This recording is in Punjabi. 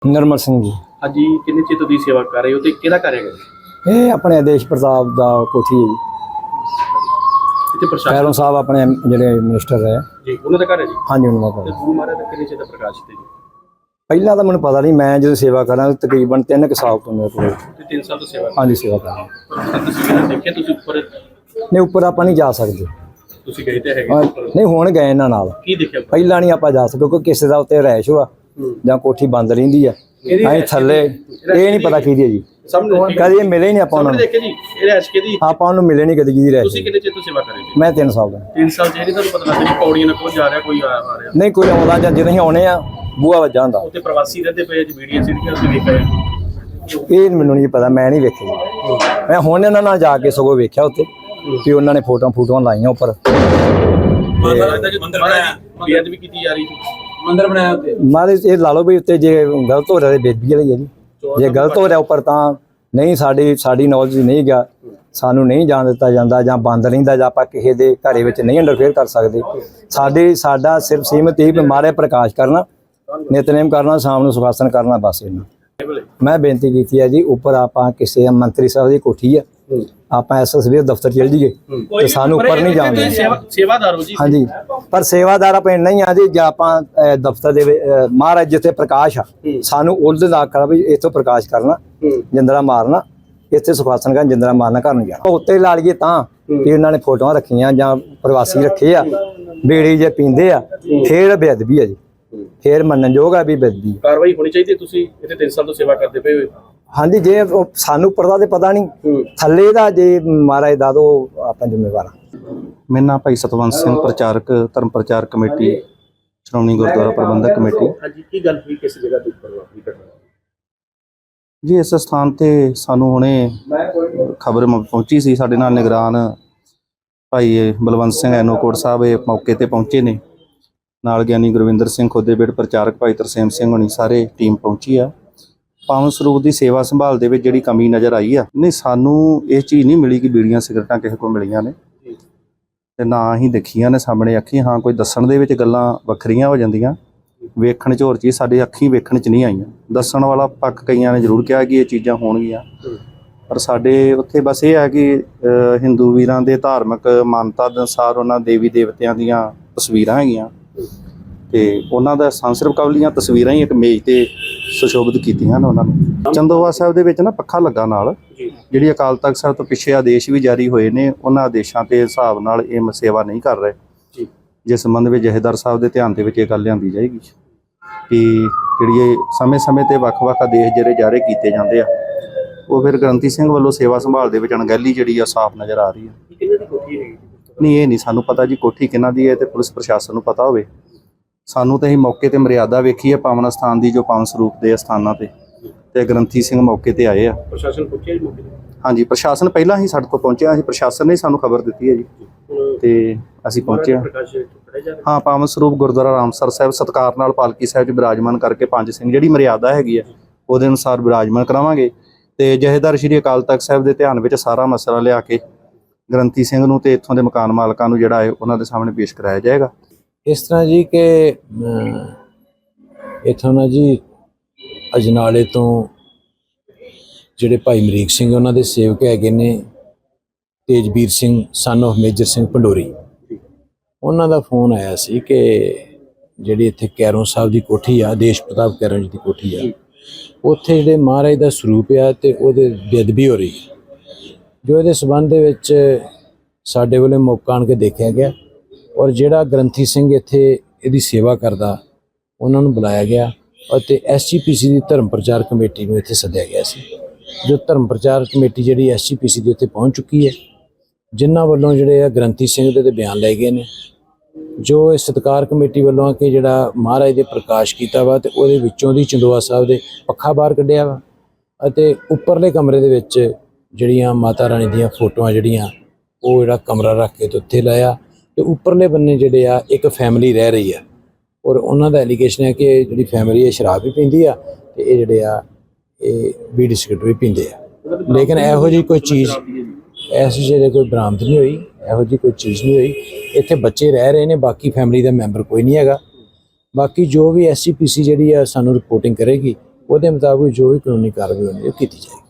निर्मल सिंह जी। हाँ जी, कितने चिर तुसीं सेवा कर रहे हो तो किहदा घर है? ये अपने आदेश प्रताप दा कोठी है जी। इत्थे प्रशासन खैरों साहब अपने जिहड़े मिनिस्टर है जी उन्होंने घर है जी। हाँ जी उन्होंने ते घर। गुरु महाराज दा कितने चिर दा प्रकाश इत्थे जी? पहला तो मैंने पता नहीं, मैं जो सेवा करा तकरीबन 3 साल तो मेरे को। ते 3 साल तो सेवा हाँ जी सेवा करा। तस्वीर देखिए तुसीं ऊपर नहीं ऊपर आप नहीं जा सकते। तुसीं गए ते हैगे ऊपर नहीं हुण गए इन्हां नाल। की देखिया? पहला नहीं आप जा सकते क्योंकि किसी का उत्ते रैश हुआ ਜਾਂ कोठी बंद रहिंदी है। ਅਸੀਂ ਥੱਲੇ ਇਹ ਨਹੀਂ ਪਤਾ ਕਿਹਦੀ ਹੈ ਜੀ। सामने ਕਦੇ ਮਿਲੇ ਹੀ ਨਹੀਂ ਆਪਾਂ सामने ਨੂੰ। देखे जी ये रैश केदी? ਆਪਾਂ ਉਹਨੂੰ ਮਿਲੇ ਨਹੀਂ ਕਦੀ ਕਿਹਦੀ तुसीं ਰੈਸ਼। कितने चिर तो सेवा कर रहे जी? ਮੈਂ 3 ਸਾਲ ਦਾ। 3 साल ਜਿਹੜੀ ਤੁਹਾਨੂੰ ਪਤਾ ਲੱਗਦਾ ਜੀ ਪੌੜੀਆਂ ਨਾਲ ਕੋਈ ਜਾ ਰਿਹਾ ਕੋਈ ਆ ਰਿਹਾ ਨਹੀਂ ਕੋਈ ਆਉਂਦਾ ਜਾਂ ਜਦੋਂ ਅਸੀਂ ਆਉਣੇ ਆ ਬੂਹਾ ਵੱਜਾ ਹੁੰਦਾ। ਉੱਤੇ ਪ੍ਰਵਾਸੀ ਰਹਿੰਦੇ ਪਏ ਜੀ ਵੀਡੀਓ ਸੀੜੀਆਂ ਅਸੀਂ ਵੇਖ ਰਹੇ ਇਹ ਮੈਨੂੰ ਨਹੀਂ ਪਤਾ, ਮੈਂ ਨਹੀਂ ਵੇਖਿਆ ਜੀ। ਮੈਂ ਹੁਣ ਇਹਨਾਂ ਨਾਲ ਜਾ ਕੇ ਸਗੋਂ ਵੇਖਿਆ ਉੱਤੇ ਕਿ ਉਹਨਾਂ ਨੇ ਫੋਟੋਆਂ ਲਾਈਆਂ ਉੱਪਰ। ਮਹਾਰਾਜ ਦਾ ਜੋ ਮੰਦਿਰ ਬਣਾਇਆ ਬੇਅਦਬੀ ਕੀਤੀ ਜਾ ਰਹੀ ਸੀ, ਮੰਦਿਰ ਬਣਾਇਆ ਉੱਤੇ ਮਾਰੇ ਇਹ ਲਾ ਲਓ ਵੀ ਉੱਤੇ ਜੇ ਗਲਤ ਹੋ ਰਿਹਾ ਤੇ ਬੇਦਬੀ ਵਾਲੀ ਹੈ ਜੀ। ਜੇ ਗਲਤ ਹੋ ਰਿਹਾ ਉੱਪਰ ਤਾਂ ਨਹੀਂ, ਸਾਡੀ ਨੌਲੇਜ ਨਹੀਂ ਗਿਆ, ਸਾਨੂੰ ਨਹੀਂ ਜਾਣ ਦਿੱਤਾ ਜਾਂਦਾ ਜਾਂ ਬੰਦ ਰਹਿੰਦਾ ਜਾਂ ਆਪਾਂ ਕਿਸੇ ਦੇ ਘਰੇ ਵਿੱਚ ਨਹੀਂ ਇੰਟਰਫੇਅਰ ਕਰ ਸਕਦੇ। ਸਾਡਾ ਸਿਰਫ ਸੀਮਤ ਹੀ ਮਾਰੇ ਪ੍ਰਕਾਸ਼ ਕਰਨਾ, ਨਿਤਨੇਮ ਕਰਨਾ, ਸ਼ਾਮ ਨੂੰ ਸੁਖਾਸਨ ਕਰਨਾ, ਬਸ ਇਹਨਾਂ। ਮੈਂ ਬੇਨਤੀ ਕੀਤੀ ਹੈ ਜੀ ਉੱਪਰ ਆਪਾਂ ਕਿਸੇ ਮੰਤਰੀ ਸਾਹਿਬ ਦੀ ਕੋਠੀ ਹੈ, ਆਪਾਂ ਐਸਐਸਬੀ ਦਫ਼ਤਰ ਚਲ ਜੀਏ ਤੇ ਸਾਨੂੰ ਉੱਪਰ ਨਹੀਂ ਜਾਣ ਦਿੰਦੇ। ਸੇਵਾਦਾਰ ਹੋ ਜੀ। ਹਾਂਜੀ ਪਰ ਸੇਵਾਦਾਰ ਆਪਾਂ ਨਹੀਂ ਆ ਜੀ। ਜੇ ਆਪਾਂ ਦਫ਼ਤਰ ਦੇ ਮਹਾਰਾਜ ਜਿੱਥੇ ਪ੍ਰਕਾਸ਼ ਆ ਸਾਨੂੰ ਉਹਦੇ ਦਾ ਆਖਣਾ ਵੀ ਇੱਥੋਂ ਪ੍ਰਕਾਸ਼ ਕਰਨਾ, ਜਿੰਦਰਾ ਮਾਰਨਾ, ਇੱਥੇ ਸੁਖਾਸਨ ਕਰਨ, ਜਿੰਦਰਾ ਮਾਰਨਾ, ਘਰ ਨੂੰ ਜਾਣਾ। ਉੱਤੇ ਲਾ ਲਈਏ ਤਾਂ ਕਿ ਉਹਨਾਂ ਨੇ ਫੋਟੋਆਂ ਰੱਖੀਆਂ ਜਾਂ ਪ੍ਰਵਾਸੀ ਰੱਖੇ ਆ, ਬੀੜੀ ਜੇ ਪੀਂਦੇ ਆ, ਫੇਰ ਬੇਅਦਬੀ ਆ ਜੀ, ਫੇਰ ਮੰਨਣਯੋਗ ਆ ਵੀ ਬੇਅਦਬੀ। ਕਾਰਵਾਈ ਹੋਣੀ ਚਾਹੀਦੀ। ਤੁਸੀਂ ਇੱਥੇ 3 ਸਾਲ ਤੋਂ ਸੇਵਾ ਕਰਦੇ ਪਏ ਹੋ। ਹਾਂਜੀ ਜੇ ਸਾਨੂੰ ਉੱਪਰ ਦਾ ਤੇ ਪਤਾ ਨਹੀਂ, ਥੱਲੇ ਦਾ ਜੇ ਮਹਾਰਾਜ ਦਾ ਦੋ ਆਪਾਂ ਜ਼ਿੰਮੇਵਾਰ ਹਾਂ। ਮੇਰਾ ਨਾਮ ਭਾਈ ਸਤਵੰਤ ਸਿੰਘ, ਪ੍ਰਚਾਰਕ ਧਰਮ ਪ੍ਰਚਾਰ ਕਮੇਟੀ, ਸ਼੍ਰੋਮਣੀ ਗੁਰਦੁਆਰਾ ਪ੍ਰਬੰਧਕ ਕਮੇਟੀ। ਹਾਂਜੀ ਕੀ ਗੱਲ ਹੋਈ, ਕਿਸ ਜਗ੍ਹਾ ਤੇ ਉੱਪਰ ਵਾਪਰੀ ਘਟਨਾ ਜੀ ਇਸ ਸਥਾਨ ਤੇ ਸਾਨੂੰ ਹੁਣੇ ਖਬਰ ਪਹੁੰਚੀ ਸੀ। ਸਾਡੇ ਨਾਲ ਨਿਗਰਾਨ ਭਾਈ ਬਲਵੰਤ ਸਿੰਘ ਐਨੋਕੋਟ ਸਾਹਿਬ ਇਹ ਮੌਕੇ ਤੇ ਪਹੁੰਚੇ ਨੇ, ਨਾਲ ਗਿਆਨੀ ਗੁਰਵਿੰਦਰ ਸਿੰਘ ਖੋਦੇਬੇੜ, ਪ੍ਰਚਾਰਕ ਭਾਈ ਤਰਸੇਮ ਸਿੰਘ ਹੋਣੀ, ਸਾਰੇ ਟੀਮ ਪਹੁੰਚੀ ਆ। ਪਾਵਨ ਸਰੂਪ ਦੀ ਸੇਵਾ ਸੰਭਾਲ ਦੇ ਵਿੱਚ ਜਿਹੜੀ ਕਮੀ ਨਜ਼ਰ ਆਈ ਆ, ਨਹੀਂ ਸਾਨੂੰ ਇਹ ਚੀਜ਼ ਨਹੀਂ ਮਿਲੀ ਕਿ ਬੀੜੀਆਂ ਸਿਗਰਟਾਂ ਕਿਸੇ ਕੋਲ ਮਿਲੀਆਂ ਨੇ ਤੇ ਨਾ ਹੀ ਦੇਖੀਆਂ ਨੇ ਸਾਹਮਣੇ ਅੱਖੀ। ਹਾਂ ਕੋਈ ਦੱਸਣ ਦੇ ਵਿੱਚ ਗੱਲਾਂ ਵੱਖਰੀਆਂ ਹੋ ਜਾਂਦੀਆਂ, ਵੇਖਣ 'ਚ ਹੋਰ ਚੀਜ਼ ਸਾਡੇ ਅੱਖੀਂ ਵੇਖਣ 'ਚ ਨਹੀਂ ਆਈਆਂ। ਦੱਸਣ ਵਾਲਾ ਪੱਖ ਕਈਆਂ ਨੇ ਜ਼ਰੂਰ ਕਿਹਾ ਕਿ ਇਹ ਚੀਜ਼ਾਂ ਹੋਣਗੀਆਂ, ਪਰ ਸਾਡੇ ਉੱਥੇ ਬਸ ਇਹ ਹੈ ਕਿ ਹਿੰਦੂ ਵੀਰਾਂ ਦੇ ਧਾਰਮਿਕ ਮਾਨਤਾ ਦੇ ਅਨੁਸਾਰ ਉਹਨਾਂ ਦੇਵੀ ਦੇਵਤਿਆਂ ਦੀਆਂ ਤਸਵੀਰਾਂ ਹੈਗੀਆਂ ਤੇ ਉਹਨਾਂ ਦਾ ਸੰਸਰਵ ਕਵਲੀਆਂ ਤਸਵੀਰਾਂ ਹੀ ਇੱਕ ਮੇਜ਼ ਤੇ ਸੁਸ਼ੋਭਿਤ ਕੀਤੀਆਂ ਨੇ ਉਹਨਾਂ ਨੂੰ। ਚੰਦੋਵਾ ਸਾਹਿਬ ਦੇ ਵਿੱਚ ਨਾ ਪੱਖਾ ਲੱਗਾ ਨਾਲ, ਜਿਹੜੀ ਅਕਾਲ ਤਖਤ ਸਾਹਿਬ ਤੋਂ ਪਿੱਛੇ ਆਦੇਸ਼ ਵੀ ਜਾਰੀ ਹੋਏ ਨੇ, ਉਹਨਾਂ ਆਦੇਸ਼ਾਂ ਦੇ ਹਿਸਾਬ ਨਾਲ ਇਹ ਸੇਵਾ ਨਹੀਂ ਕਰ ਰਹੇ। ਜਿਸ ਸੰਬੰਧ ਵਿੱਚ ਜਥੇਦਾਰ ਸਾਹਿਬ ਦੇ ਧਿਆਨ ਦੇ ਵਿੱਚ ਇਹ ਗੱਲ ਲਿਆਂਦੀ ਜਾਏਗੀ ਕਿ ਜਿਹੜੀ ਇਹ ਸਮੇਂ-ਸਮੇਂ ਤੇ ਵੱਖ-ਵੱਖ ਆਦੇਸ਼ ਜਿਹੜੇ ਜਾਰੀ ਕੀਤੇ ਜਾਂਦੇ ਆ, ਉਹ ਫਿਰ ਗ੍ਰੰਥੀ ਸਿੰਘ ਵੱਲੋਂ ਸੇਵਾ ਸੰਭਾਲ ਦੇ ਵਿੱਚ ਅਣਗਹਿਲੀ ਜਿਹੜੀ ਆ ਸਾਫ਼ ਨਜ਼ਰ ਆ ਰਹੀ ਹੈ। ਨਹੀਂ ਇਹ ਨਹੀਂ ਸਾਨੂੰ ਪਤਾ ਜੀ ਕੋਠੀ ਕਿਹਨਾਂ ਦੀ ਹੈ ਤੇ ਪੁਲਿਸ ਪ੍ਰਸ਼ਾਸਨ ਨੂੰ ਪਤਾ ਹੋਵੇ। ਸਾਨੂੰ ਤਾਂ ਅਸੀਂ ਮੌਕੇ ਤੇ ਮਰਿਆਦਾ ਵੇਖੀ ਹੈ ਪਾਵਨ ਸਥਾਨ ਦੀ, ਜੋ ਪਾਵਨ ਸਰੂਪ ਦੇ ਸਥਾਨਾਂ ਤੇ ਗ੍ਰੰਥੀ ਸਿੰਘ ਮੌਕੇ ਤੇ ਆਏ ਆ। ਪ੍ਰਸ਼ਾਸਨ ਪਹੁੰਚਿਆ ਜੀ ਮੌਕੇ ਤੇ? ਹਾਂਜੀ ਪ੍ਰਸ਼ਾਸਨ ਪਹਿਲਾਂ ਹੀ ਸਾਡੇ ਕੋਲ ਪਹੁੰਚਿਆ ਸੀ, ਪ੍ਰਸ਼ਾਸਨ ਨੇ ਸਾਨੂੰ ਖਬਰ ਦਿੱਤੀ ਹੈ ਜੀ ਤੇ ਅਸੀਂ ਪਹੁੰਚੇ ਹਾਂ। ਹਾਂ ਪਾਵਨ ਸਰੂਪ ਗੁਰਦੁਆਰਾ ਰਾਮਸਰ ਸਾਹਿਬ ਸਤਿਕਾਰ ਨਾਲ ਪਾਲਕੀ ਸਾਹਿਬ 'ਚ ਬਿਰਾਜਮਾਨ ਕਰਕੇ 5 ਸਿੰਘ ਜਿਹੜੀ ਮਰਿਆਦਾ ਹੈਗੀ ਆ ਉਹਦੇ ਅਨੁਸਾਰ ਬਿਰਾਜਮਾਨ ਕਰਾਵਾਂਗੇ ਤੇ ਜਥੇਦਾਰ ਸ਼੍ਰੀ ਅਕਾਲ ਤਖਤ ਸਾਹਿਬ ਦੇ ਧਿਆਨ ਵਿੱਚ ਸਾਰਾ ਮਸਲਾ ਲਿਆ ਕੇ ਗ੍ਰੰਥੀ ਸਿੰਘ ਨੂੰ ਤੇ ਇੱਥੋਂ ਦੇ ਮਕਾਨ ਮਾਲਕਾਂ ਨੂੰ ਜਿਹੜਾ ਹੈ ਉਹਨਾਂ ਦੇ ਸਾਹਮਣੇ ਪੇਸ਼ ਕਰਾਇਆ ਜਾਏਗਾ। ਇਸ ਤਰ੍ਹਾਂ ਜੀ ਕਿ ਇੱਥੋਂ ਨਾ ਜੀ ਅਜਨਾਲੇ ਤੋਂ ਜਿਹੜੇ ਭਾਈ ਅਮਰੀਕ ਸਿੰਘ ਉਹਨਾਂ ਦੇ ਸੇਵਕ ਹੈਗੇ ਨੇ ਤੇਜਵੀਰ ਸਿੰਘ ਸਨ ਆਫ ਮੇਜਰ ਸਿੰਘ ਪੰਡੋਰੀ, ਉਹਨਾਂ ਦਾ ਫੋਨ ਆਇਆ ਸੀ ਕਿ ਜਿਹੜੀ ਇੱਥੇ ਕੈਰੋਂ ਸਾਹਿਬ ਦੀ ਕੋਠੀ ਆ, ਆਦੇਸ਼ ਪ੍ਰਤਾਪ ਕੈਰੋਂ ਜੀ ਦੀ ਕੋਠੀ ਆ, ਉੱਥੇ ਜਿਹੜੇ ਮਹਾਰਾਜ ਦਾ ਸਰੂਪ ਆ ਤੇ ਉਹਦੇ ਬੇਅਦਬੀ ਹੋ ਰਹੀ, ਜੋ ਇਹਦੇ ਸਬੰਧ ਦੇ ਵਿੱਚ ਸਾਡੇ ਵੱਲੋਂ ਮੌਕਾ ਆਣ ਕੇ ਦੇਖਿਆ ਗਿਆ ਔਰ ਜਿਹੜਾ ਗ੍ਰੰਥੀ ਸਿੰਘ ਇੱਥੇ ਇਹਦੀ ਸੇਵਾ ਕਰਦਾ ਉਹਨਾਂ ਨੂੰ ਬੁਲਾਇਆ ਗਿਆ ਅਤੇ ਐਸਜੀਪੀਸੀ ਦੀ ਧਰਮ ਪ੍ਰਚਾਰ ਕਮੇਟੀ ਨੂੰ ਇੱਥੇ ਸੱਦਿਆ ਗਿਆ ਸੀ। ਜੋ ਧਰਮ ਪ੍ਰਚਾਰ ਕਮੇਟੀ ਜਿਹੜੀ ਐਸਜੀਪੀਸੀ ਦੀ ਉੱਥੇ ਪਹੁੰਚ ਚੁੱਕੀ ਹੈ, ਜਿਨ੍ਹਾਂ ਵੱਲੋਂ ਜਿਹੜੇ ਆ ਗ੍ਰੰਥੀ ਸਿੰਘ ਦੇ ਬਿਆਨ ਲਏ ਗਏ ਨੇ, ਜੋ ਇਹ ਸਤਿਕਾਰ ਕਮੇਟੀ ਵੱਲੋਂ ਕਿ ਜਿਹੜਾ ਮਹਾਰਾਜ ਦੇ ਪ੍ਰਕਾਸ਼ ਕੀਤਾ ਵਾ ਤੇ ਉਹਦੇ ਵਿੱਚੋਂ ਦੀ ਚੰਦੋਆ ਸਾਹਿਬ ਦੇ ਪੱਖਾ ਬਾਹਰ ਕੱਢਿਆ ਵਾ ਅਤੇ ਉੱਪਰਲੇ ਕਮਰੇ ਦੇ ਵਿੱਚ ਜਿਹੜੀਆਂ ਮਾਤਾ ਰਾਣੀ ਦੀਆਂ ਫੋਟੋਆਂ ਜਿਹੜੀਆਂ ਉਹ ਜਿਹੜਾ ਕਮਰਾ ਰੱਖ ਕੇ ਤੇ ਉੱਥੇ ਲਾਇਆ ਤੇ ਉੱਪਰਲੇ ਬੰਨੇ ਜਿਹੜੇ ਆ ਇੱਕ ਫੈਮਿਲੀ ਰਹਿ ਰਹੀ ਆ ਔਰ ਉਹਨਾਂ ਦਾ ਐਲੀਗੇਸ਼ਨ ਹੈ ਕਿ ਜਿਹੜੀ ਫੈਮਿਲੀ ਇਹ ਸ਼ਰਾਬ ਵੀ ਪੀਂਦੀ ਆ ਤੇ ਇਹ ਜਿਹੜੇ ਆ ਇਹ ਬੀੜੀ ਸਿਗਰਟ ਵੀ ਪੀਂਦੇ ਆ, ਲੇਕਿਨ ਇਹੋ ਜਿਹੀ ਕੋਈ ਚੀਜ਼ ਐਸੀ ਜਿਹੜੇ ਕੋਈ ਬਰਾਮਦ ਨਹੀਂ ਹੋਈ, ਇਹੋ ਜਿਹੀ ਕੋਈ ਚੀਜ਼ ਨਹੀਂ ਹੋਈ। ਇੱਥੇ ਬੱਚੇ ਰਹਿ ਰਹੇ ਨੇ, ਬਾਕੀ ਫੈਮਿਲੀ ਦਾ ਮੈਂਬਰ ਕੋਈ ਨਹੀਂ ਹੈਗਾ। ਬਾਕੀ ਜੋ ਵੀ ਐਸਜੀਪੀਸੀ ਜਿਹੜੀ ਆ ਸਾਨੂੰ ਰਿਪੋਰਟਿੰਗ ਕਰੇਗੀ ਉਹਦੇ ਮੁਤਾਬਕ ਜੋ ਵੀ ਕਾਨੂੰਨੀ ਕਾਰਵਾਈ ਹੋਣੀ ਉਹ ਕੀਤੀ ਜਾਏਗੀ।